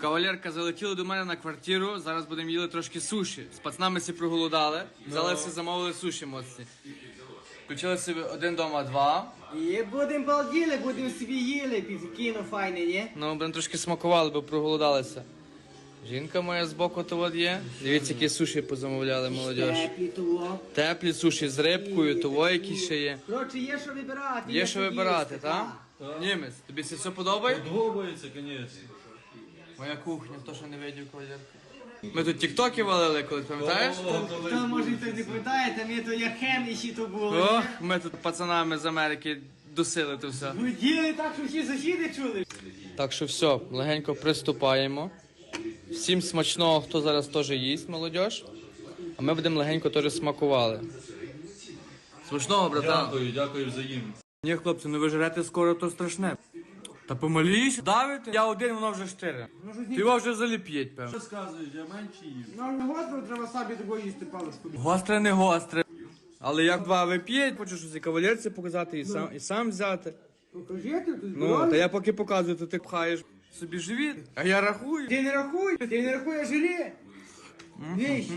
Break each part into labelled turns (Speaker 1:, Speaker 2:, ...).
Speaker 1: Кавалерка залетіла до мене на квартиру, зараз будемо їли трошки суші. З пацанами всі проголодали, взялися, замовили суші моцні. Включили собі один дома, два.
Speaker 2: І будемо балділи, будемо собі їли, під кіно файне, ні?
Speaker 1: Ну, будемо трошки смакували, бо проголодалися. Жінка моя збоку то от є. Дивіться, які суші позамовляли, молодіж.
Speaker 2: Теплі того.
Speaker 1: Теплі суші з рибкою, того які ще є.
Speaker 2: Коротше, є що вибирати.
Speaker 1: Є що вибирати,
Speaker 2: їсти,
Speaker 1: так? Німець, тобі це все подобає?
Speaker 3: Подобається, звісно.
Speaker 1: Моя кухня, хто ще не видів, кавалерка. Ми тут тіктоки валили колись, пам'ятаєш?
Speaker 2: Та може хтось не пам'ятає, там є то як хеміші то було.
Speaker 1: Ох, ми тут пацанами з Америки досили то все.
Speaker 2: Ви діли так, що всі сусіди чули.
Speaker 1: Так що все, легенько приступаємо. Всім смачного, хто зараз теж їсть, молодіж. А ми будемо легенько теж смакували. Смачного, братан.
Speaker 3: Дякую взаємно.
Speaker 1: Ні, хлопці, ну ви жрете скоро, то страшне. Та помаліш, давите. Я один, воно вже 4. Ти його вже заліп'єть, певно.
Speaker 3: Що сказуєш, я менше їм.
Speaker 2: Ну, гостро треба собі такого їсти паличку.
Speaker 1: Гостре, не гостре. Але як два вип'єть, хочу щось і кавалерці показати, і сам взяти.
Speaker 2: Покажи ти тут.
Speaker 1: Ну, та я поки показую, то ти пхаєш собі живіт, а я рахую.
Speaker 2: Ти не рахуй, а жирі. Віщо?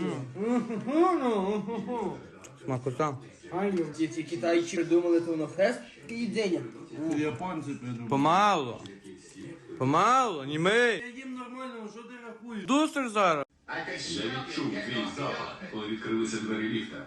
Speaker 1: Смакота.
Speaker 2: Аню, ці китайці придумали то на хрест і їдення.
Speaker 3: Японці придумали.
Speaker 1: Помалу, німей.
Speaker 3: Я їм нормально, що ти рахуєш?
Speaker 1: Дустер зараз.
Speaker 4: Я відчув твій запах, коли відкрилися двері ліфта.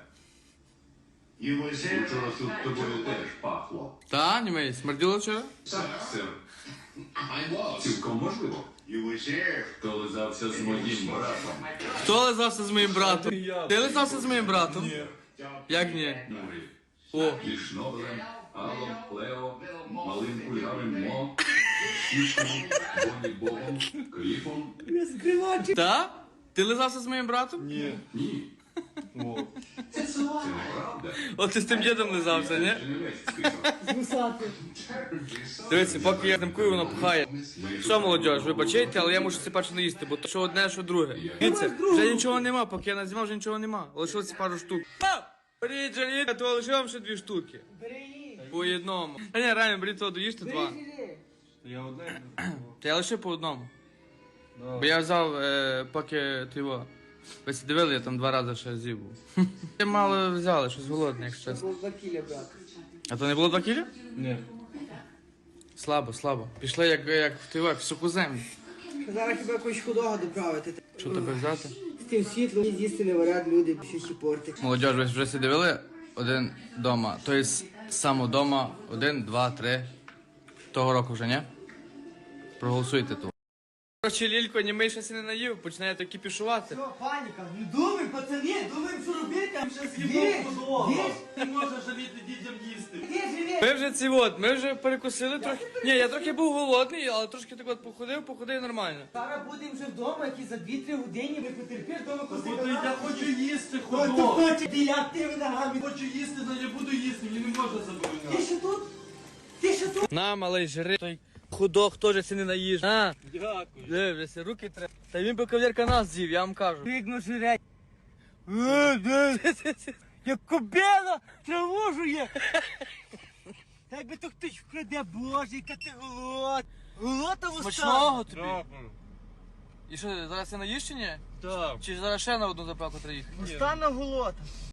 Speaker 4: Вчора тут тобою теж пахло.
Speaker 1: Та, німей, смерділо вчора?
Speaker 4: Так, сир. Цілком можливо. Хто лизався з моїм братом?
Speaker 1: Хто лизався з моїм братом? Ти лизався з моїм братом?
Speaker 3: Ні.
Speaker 1: Як ні?
Speaker 4: Мурі.
Speaker 1: О,
Speaker 4: І Шнобелем, Алом, Лео, Малим Кульгавим Мо, Сішком, Боні Богом, Кліфом.
Speaker 1: та? Ти лизався з моїм братом?
Speaker 3: Ні.
Speaker 4: Ні,
Speaker 3: О.
Speaker 4: це неправда.
Speaker 1: От ти з тим дідом лизався, ні?
Speaker 4: Це не весь список.
Speaker 2: Гусати.
Speaker 1: Дивіться, поки я замкую, воно пхає. Що, молодіж, вибачайте, але я мушу це перше не їсти, бо то що одне, що друге. Дивіться, вже нічого нема, поки я назнімав, вже нічого нема. Лишилося пару штук. Беріть, жаліть, то лише вам ще 2 штуки.
Speaker 2: Бери її.
Speaker 1: По одному. Та ні, реально, беріть того, доїжте 2.
Speaker 2: Бери.
Speaker 3: Я одне.
Speaker 1: Та я лише по одному. Бо я взяв, поки ти його. Ви всі дивили, я там 2 рази ще з'їв був. Я мало взяли, щось голодне, якщо чесно.
Speaker 2: Було 2 кіля, брат.
Speaker 1: А то не було 2 кілі?
Speaker 3: Ні.
Speaker 1: Слабо. Пішли як в тивак, в суху землю.
Speaker 2: Зараз хіба якусь худого доправити.
Speaker 1: Що тебе взяти?
Speaker 2: З тим світлом з'їсти не варять люди, що ще портить.
Speaker 1: Молодіж, ви вже всі дивили один дома. Тобто саме дома 1, 2, 3. Того року вже, ні? Проголосуйте тут. Короче, Лілько, німий щось і не наїв, починає то кіпішувати.
Speaker 2: Що, паніка? Ну думай, пацани, думаємо, що робити.
Speaker 3: Ще з'їбав подолого. Ти можеш жаліти дітям їсти.
Speaker 1: Ми вже ми вже перекусили трохи. Ні, я трохи був голодний, але трошки так от походив нормально.
Speaker 2: Зараз будемо вже вдома, які за 2-3 години ми потерпиш вдома
Speaker 3: Бо я хочу їсти
Speaker 2: Хто
Speaker 3: ходок.
Speaker 2: хоче біляти ногами?
Speaker 3: Хочу їсти, але я буду їсти, мені не можна
Speaker 2: Ти
Speaker 3: забороняти.
Speaker 2: що тут? Ти що тут?
Speaker 1: На, малий, жри. Той худок теж це не наїж. На,
Speaker 3: Дякую.
Speaker 1: дивися, руки треба. Та він би кавалерка нас з'їв, я вам кажу.
Speaker 2: Вікно жире. Як кобила траву жує. Та якби то хтось вкраде, боже, яка ти голод. Голота в
Speaker 1: Смачного тобі.
Speaker 3: Дякую.
Speaker 1: І що, зараз ти наїш чи ні?
Speaker 3: Так.
Speaker 1: Чи зараз ще на одну заправку треба їхати?
Speaker 2: Остана голота.